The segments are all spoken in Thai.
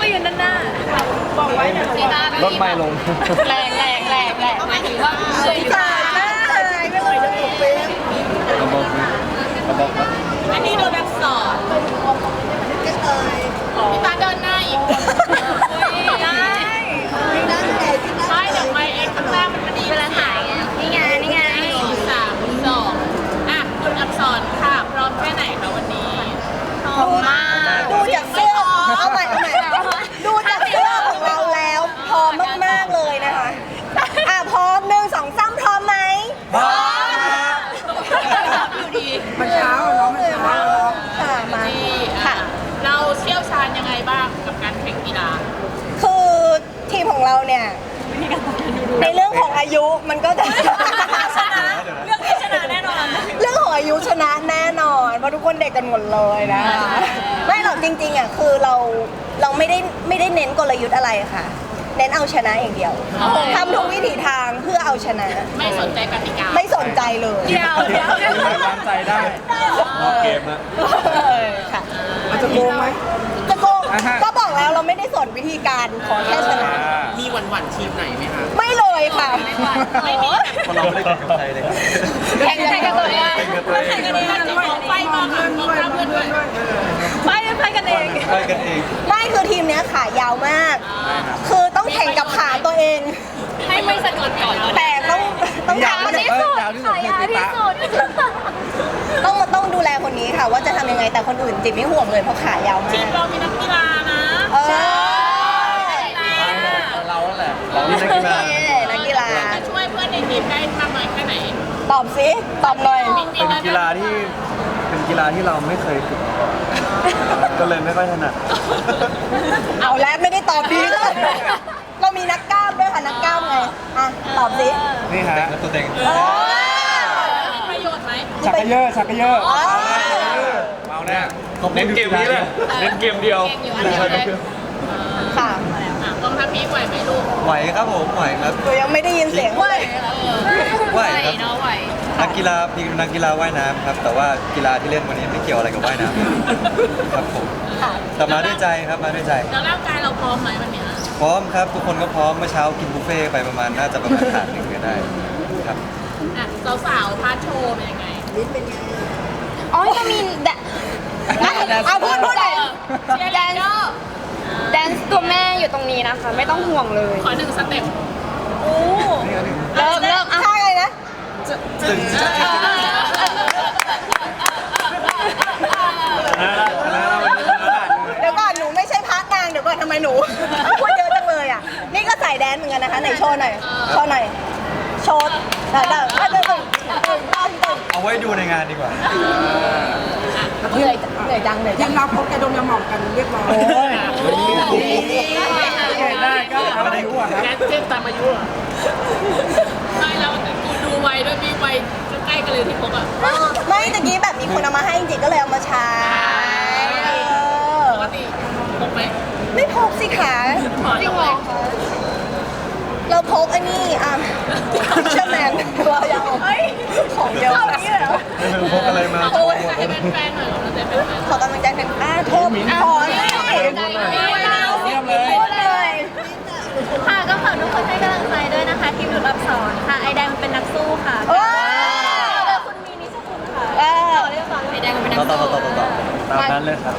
ยืนด้านหน้าบอกไว้รถไม่ลงแรงหมายถึงว่าพี่ตาหน้าเลยไม่เลยจะถูกเป็นระบบอันนี้โดนแบบสอนพี่ตาเดินหน้าอีกได้ไม่เดี๋ยวไม่เองข้างล่างมันดีเวลาถ่ายไงนี่ไง3 2อ่ะคุณอักษรค่ะพร้อมแค่ไหนคะวันนี้พร้อมมากดูจากเสื้อเอาใหม่ดูจากเสื้อของเราแล้วพร้อมมากๆเลยนะคะพร้อม1 2 3พร้อมไหมพร้อมอยู่ดีมันเช้าเนาะมันเช้าค่ะมาค่ะเราเชี่ยวชาญยังไงบ้างกับการแข่งกีฬาคือทีมของเราเนี่ยในเรื่องของอายุมันก็จะชนะเรื่องที่ชนะแน่นอนเรื่องของอายุชนะแน่นอนเพราะทุกคนเด็กกันหมดเลยนะไม่หรอกจริงๆคือเราไม่ได้เน้นกลยุทธ์อะไรค่ะเน้นเอาชนะอย่างเดียวทำทุกวิถีทางเพื่อเอาชนะไม่สนใจกติกาไม่สนใจเลยเดี๋ยววางใจได้เกมอะค่ะมันจะโกงไหมจะโกงก็บอกแล้วเราไม่ได้สนวิธีการขอแค่ชนะมีหวั่นทีมไหนไหมคะไม่เลยค่ะไม่มีคนเราไม่ได้แข่งกับใครเลยแข่งกับตัวเองแข่งกันเองไฟมาค่ะมองหน้าเพื่อนด้วยไฟกันเองไม่คือทีมเนี้ยขายาวมากคือต้องแข่งกับขาตัวเองให้ไม่สะดุดก่อนแต่ต้องยาวที่สุดต้องดูแลคนนี้ค่ะว่าจะทำยังไงแต่คนอื่นจิบไม่ห่วงเลยเพราะขายาวมากทีมเรามีนักกีฬานะใช่เราแหละเรามีนักกีฬาจะช่วยเพื่อนในทีมได้มากน้อยแค่ไหนตอบสิตอบหน่อยเป็นกีฬาที่เราไม่เคยฝึกก็เลยไม่ค่อยถนัดเอาแล้วไม่ได้ตอบดีเลยเรามีนักกล้ามด้วยค่ะนักกล้ามไงตอบสินี่ฮะตัวเต็งมีประโยชน์ไหมชักกระเยอะเมาแน่เน้นเกมนี้เลยเน้นเกมเดียวค่ะกองทัพพีไหวไหมลูกไหวครับผมไหวครับตัวยังไม่ได้ยินเสียงไหวครับนักกีฬาว่ายน้ำครับแต่ว่ากีฬาที่เล่นวันนี้ไม่เกี่ยวอะไรกับว่ายน้ำครับผมแต่มาด้วยใจครับมาด้วยใจแล้วร่างกายเราพร้อมไหมวันนี้พร้อมครับทุกคนก็พร้อมเมื่อเช้ากินบุฟเฟ่ไปประมาณน่าจะประมาณถาดหนึ่งก็ได้ครับสาวพาร์ทโชว์เป็นยังไงลิ้นเป็นไงอ๋อจะมีพูดเลยแดนซ์ตัวแม่อยู่ตรงนี้นะคะไม่ต้องห่วงเลยขอ1 สเต็ปเริ่มใช่เลยนะตึงเดี๋ยวก่อนหนูไม่ใช่พาร์ทนางเดี๋ยวก่อนทำไมหนูพูดเยอะจังเลยอ่ะนี่ก็ใส่แดนเหมือนกันนะคะไหนโชว์หน่อยโชว์เอาไว้ดูในงานดีกว่าเหนื่อยจังทีมเราพบกระดมยาหม่องกันเรียบร้อยได้ก็ทำอะไรกูอ่ะครับเจ็บตามอายุไม่แล้วกูดูไวด้วยมีไวใกล้กันเลยที่พบอ่ะไม่ตะกี้แบบมีคนเอามาให้จริงๆก็เลยเอามาใช้ปกติพกไหมไม่พกสิคะจริงเหรอเราพกอันนี้เชื่อแมนเราอยากของเยอะพกอะไรมาให้แฟนๆหน่อยขอกำลังใจแฟนโทษขอเลยค่ะก็ฝากทุกคนให้กำลังใจด้วยนะคะทีมหลุดอับสอนค่ะไอแดงเป็นนักสู้ค่ะคุณมีนิชคุณค่ะไอแดงเป็นนักสู้ตามนั้นเลยครับ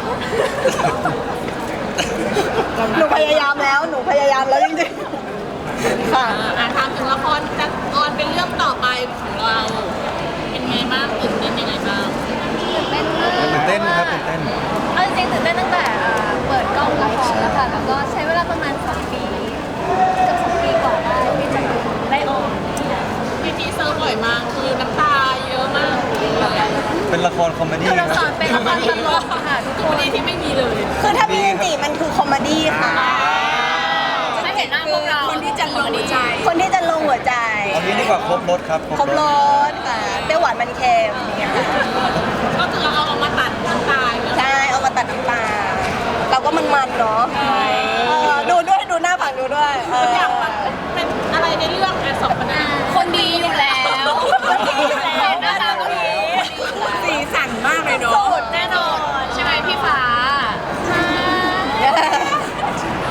หนูพยายามแล้วจริงๆค่ะถามถึงละครจะออนเป็นเรื่องต่อไปของเราเป็นไงบ้างตื่นเต้นยังไงบ้างตื่นเต้นครับตื่นเต้นเอาจริงตื่นเต้นตั้งแต่เปิดกล้องละครแล้วค่ะแล้วก็ใช้เวลาประมาณ2 ปีเกือบ2 ปีก่อนได้ที่จะได้ออกพี่ทีเซอร์บ่อยมากคือน้ำตาเยอะมากเป็นละครคอมเมดี้ละครเป็นละครตลกค่ะทุกคนที่ไม่มีเลยคือถ้ามีจริงๆมันคือคอมเมดี้ค่ะไม่เห็นหน้าพวกเราคนที่จะลงหัวใจเอางี้ดีกว่าครบรถครับครบรสค่ะเปรี้ยวหวานมันเค็มเนี่ยก็คือเอามาตัดน้ำตาใช่เอามาตัดน้ำตาเราก็มันๆเนาะดูหน้าฝั่งดูด้วยอยากเป็นอะไรในเรื่องสองคนดีอยู่แล้วนะคะคนดีสีสันมากเลยเนาะแน่นอนใช่ไหมพี่ฟ้า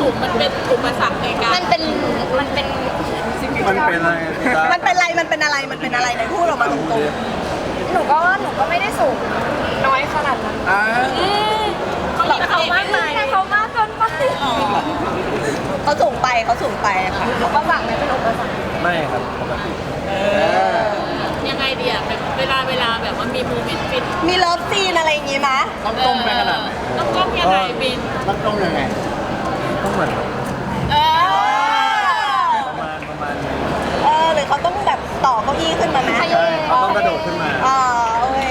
สูงมันเป็นอุปสรรคในการมันเป็นมันเป็นอะไรมันเป็นอะไรมันเป็นอะไรมันเป็นอะไรไหนพูดออกมาตรงหนูก็ไม่ได้สูงน้อยขนาดนั้นเขามากไปเขามากเกินไปๆเขาสูงไปค่ะอุปสรรคไม่เป็นอุปสรรคไม่ครับปกติยังไงดีอะแบบเวลาแบบว่ามีโมเมนต์ฟินมีเลิฟซีนอะไรอย่างงี้มะต้องต้มไปขนาดไหนต้องก้มยังไงบินต้องต้มยังไงต้องเหมือนเออประมาณนี้หรือเขาต้องแบบต่อเก้าอี้ขึ้นมาไหมใช่เขาต้องกระโดดขึ้นมาโอเค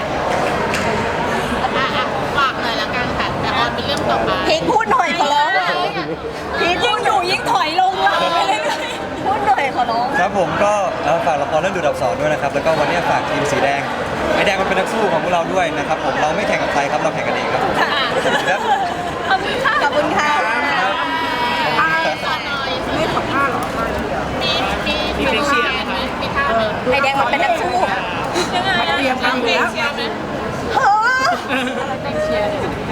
ฝากหน่อยละกันค่ะแต่ออนเป็นเรื่องต่อไปพีคพูดหน่อยขอร้องพีคยิ่งอยู่ยิ่งถอยลงหลังไปเลยพูดหน่อยขอร้องครับผมก็ฝากละครเรื่องดูดอับสรด้วยนะครับแล้วก็วันนี้ฝากทีมสีแดงไอแดงมันเป็นนักสู้ของพวกเราด้วยนะครับผมเราไม่แข่งกับใครครับเราแข่งกันเองครับผมครับขอบคุณค่ะขอบคุณค่ะไม่ขอท่าหรอมีเชียร์ไหมมีท่าไหมไอแดงมันเป็นนักสู้ยังไงเตรียมทำเพลงเชียร์ไหมเฮ้อเพลงเชียร์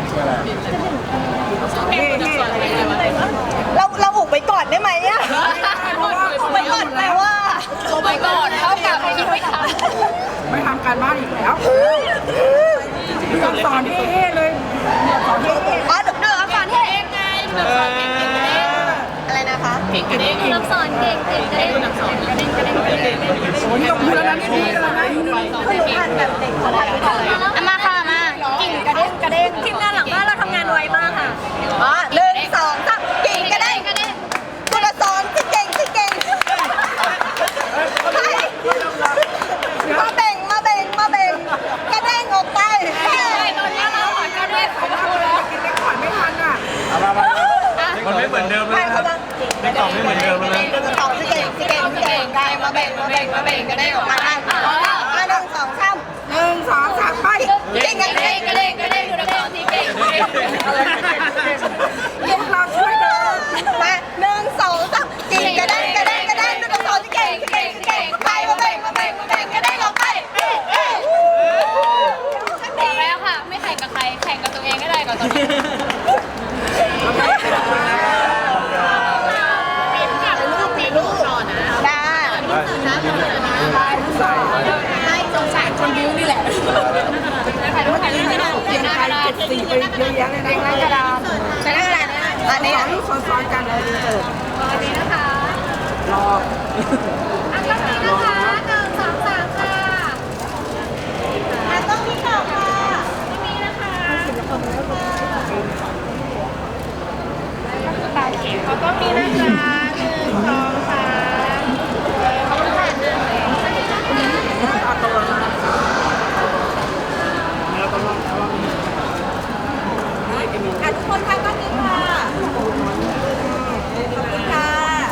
เพลงดูดอับสรเพลงอะไรวะเราอุบไปก่อนได้ไหมอะอุบไปก่อนแปลว่าอุบไปก่อนเท่ากับคิดไม่ทันไม่ทำการบ้านอีกแล้วสอนเท่ๆเลยสอนเท่อ๋อเดือดก่อนที่เองไงดูดอับสรเพลงเก่งกระเด้งอะไรนะคะเพลงกระเด้งรับสอนเก่งเพลงดูดอับสรกระเด้งกระเด้งกระเด้งๆโอ้ยตบมือแล้วนะนี่ดีแล้วนะคือหนูอ่านแบบเด็กเขาทำไม่ได้มาค่ะมากิ่งกระเด้งทีมงานหลังบ้านเราทำงานไวมากค่ะ 1 2 3กิ่งกระเด้งคุณละสอนที่เก่งใครมาเบ่งกระเด้งออกไปตอนนี้เราขอกระเด้งของเราแล้วกินได้ก่อนไม่ทันอ่ะมันไม่เหมือนเดิมแล้วนะครับในกล่องไม่เหมือนเดิมแล้วนะสองที่เก่งใครมาเบ่งกระเด้งออกมา1 2 3 1 2 3ไปเก่งกระเด้งดูดอับสรที่เก่งพวกเราช่วยกันมา1 2 3กิ่งกระเด้งดูกระสอนที่เก่งใครมาเบ่งกระเด้งออกไปบอกแล้วค่ะ ไม่แข่งกับใครแข่งกับตัวเองก็ได้ก่อนตอนนี้มีลูกรอนะได้ให้สงสารคนบิ้วนี่แหละถ่ายรูปไม่ได้เขียนไทย74ไปเยอะแยะเลยนะกระดานใช้ได้อะไรนะอันนี้ลูกซ้อนๆกันเลยเปิดตอนนี้นะคะรออันนี้นะคะ1 2 3ค่ะต้องมีต่อค่ะไม่มีนะคะเขาก็มีนะคะ1 2 3 ทุกคนทำ